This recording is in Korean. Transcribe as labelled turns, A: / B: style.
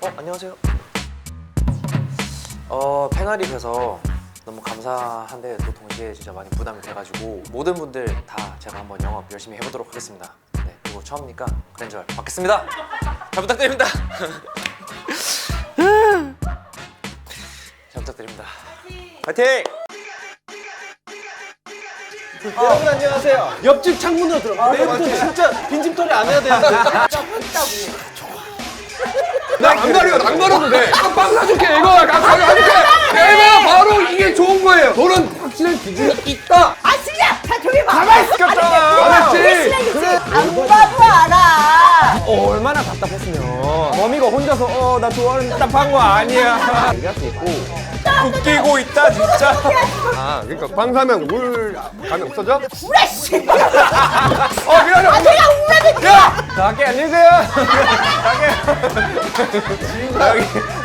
A: 안녕하세요. 팽아리 뵈서 너무 감사한데 또 동시에 진짜 많이 부담이 돼가지고 모든 분들 다 제가 한번 영업 열심히 해보도록 하겠습니다. 네, 그리고 처음이니까 그랜저 받겠습니다. 잘 부탁드립니다. 잘 부탁드립니다. 파이팅!
B: 여러분 안녕하세요. 옆집 창문으로 들어가. 내일부터 진짜 빈집털이 안 해야 되는데.
C: 안 가려, 안 가려도 돼. 빵 사줄게, 이거. 가져줄게. 내가 바로 이게 좋은 거예요. 너는 확실한 기준이 있다.
D: 아 진짜! 자 조용히 봐!
C: 가만히 있었잖아. 알았지?
D: 안 봐도 알아!
B: 얼마나 답답했으면. 범이가 혼자서 나 좋아하는 답한 거 아니야. 얘기할 수 있고.
A: 웃기고 있다 진짜.
C: 아, 그러니까 빵 사면 울 감이 없어져?
D: 우라씨!
C: 미안해.
D: 내가 우라는
B: 자, 갈게 안녕히 계세요. 갈게. 여기